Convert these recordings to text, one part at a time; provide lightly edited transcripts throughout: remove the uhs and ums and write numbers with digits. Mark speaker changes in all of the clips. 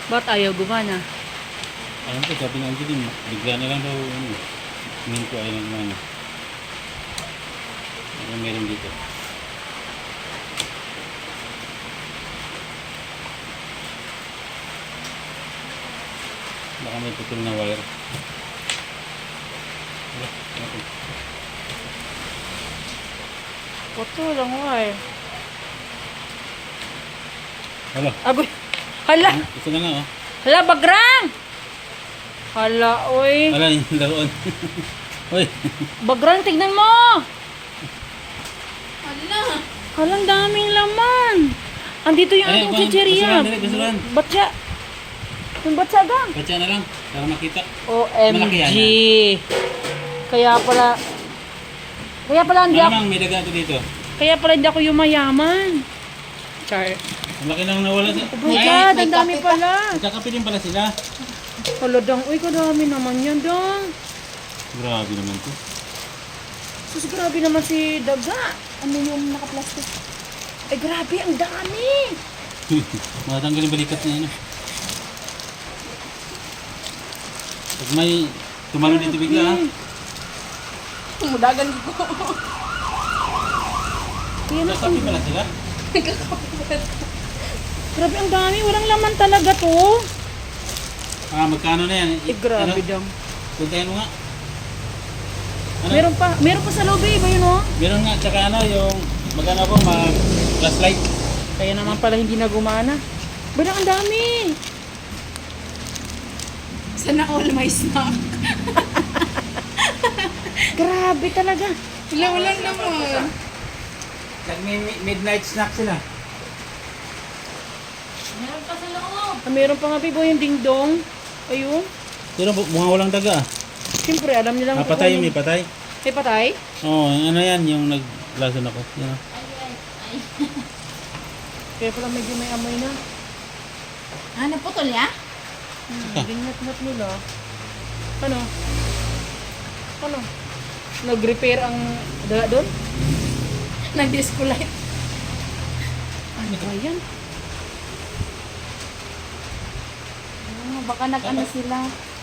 Speaker 1: Ba't ayaw gumana?
Speaker 2: Alam ko, sabi ng Angeline, bigla na lang daw, tingin ko ayaw na gumana. Ano meron dito? Baka may putol na wire. Wala, wala.
Speaker 1: Oto lang wire.
Speaker 2: Hala,
Speaker 1: Agoy. Hala!
Speaker 2: ito na nga oh.
Speaker 1: Hala, bagrang! Hala, oy.
Speaker 2: Hala, yung laruan. Uy,
Speaker 1: Bagrang, tignan mo!
Speaker 3: Hala.
Speaker 1: Hala, ang daming laman. Andito yung
Speaker 2: Ay,
Speaker 1: ating
Speaker 2: kuhan,
Speaker 1: chicheria.
Speaker 2: basuran, dali, basuran.
Speaker 1: Batya. Yung batya gang.
Speaker 2: batya na lang, para makita.
Speaker 1: OMG.
Speaker 2: Malaki yan,
Speaker 1: Kaya pala hindi ako,
Speaker 2: Malamang may daga ito dito.
Speaker 1: kaya pala hindi ako yumayaman. Char.
Speaker 2: Ang laki nang nawala sa...
Speaker 1: Oh my God, ang dami pala.
Speaker 2: Nagkakape din pala sila.
Speaker 1: Hala, dang. Uy, kadami naman yan, dang.
Speaker 2: Grabe naman to.
Speaker 1: Sus, grabe naman si Daga. Ano yung naka-plastic? Ay, grabe, ang dami.
Speaker 2: Matanggal yung balikat niya. Ano. Pag may tumalo dito bigla ha.
Speaker 3: Tumudagan ko.
Speaker 1: Kaya na,
Speaker 2: Nagkakape pala sila.
Speaker 1: grabe, ang dami. Walang laman talaga to.
Speaker 2: Ah, magkano na yan?
Speaker 1: Eh, grabe,
Speaker 2: Ano?
Speaker 1: dang.
Speaker 2: Puntahan mo nga. Ano?
Speaker 1: Meron pa sa lobby, iba yun, oh.
Speaker 2: Meron nga, tsaka ano, yung magano ko, mag-flashlight.
Speaker 1: Kaya naman pala hindi na gumana. Bala, ang dami.
Speaker 3: Sana all my snack.
Speaker 1: Grabe talaga.
Speaker 3: Wala naman.
Speaker 2: Nag-midnight snack sila.
Speaker 3: Meron pa sa loob.
Speaker 1: Meron pa nga, Bibo, yung dingdong. Ayun.
Speaker 2: Pero mukhang walang daga ah.
Speaker 1: Siyempre, alam nilang...
Speaker 2: Patay yung may patay.
Speaker 1: May patay?
Speaker 2: Oo, ano yan, yung naglason ako. Yan ah.
Speaker 1: Kaya pala medyo may amoy na.
Speaker 3: Ah, naputol ya?
Speaker 1: Gingat-ngat nila. Ano? Ano? Nag-repair ang dala doon?
Speaker 3: Nag-disco light.
Speaker 1: Ano ba yan?
Speaker 3: Baka nag-ano sila.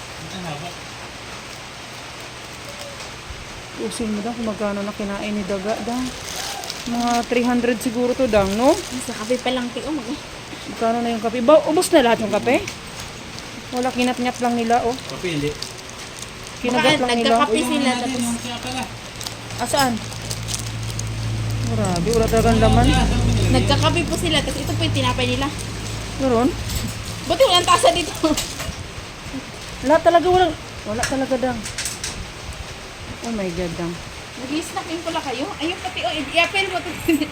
Speaker 1: Usin mo daw kung magkano na kinain ni Daga daw. Mga 300 siguro to daw, no?
Speaker 3: Sa kape pa lang tiyo.
Speaker 1: Magkano na yung kape? Ubos na lahat yung kape? Wala, kinat-ngat lang nila, oh.
Speaker 2: Kape, hindi.
Speaker 1: Kinagat lang nila.
Speaker 3: Nagkakape sila. Tapos
Speaker 2: Yung siya pala.
Speaker 1: Asaan? Grabe, wala talagang laman.
Speaker 3: nagkakape po sila. Tapos ito po yung tinapay nila.
Speaker 1: Meron?
Speaker 3: Buti walang tasa dito.
Speaker 1: Lahat talaga wala talaga dang. Oh my God, dang.
Speaker 3: Nag-snacking pala kayo. Ayun pati. Oh, i-apel mo.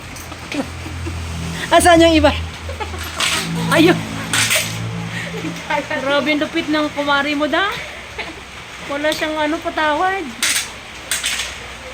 Speaker 1: Asaan yung iba? Ayun. Grabe yung lupit ng kumari mo da. Wala siyang patawad.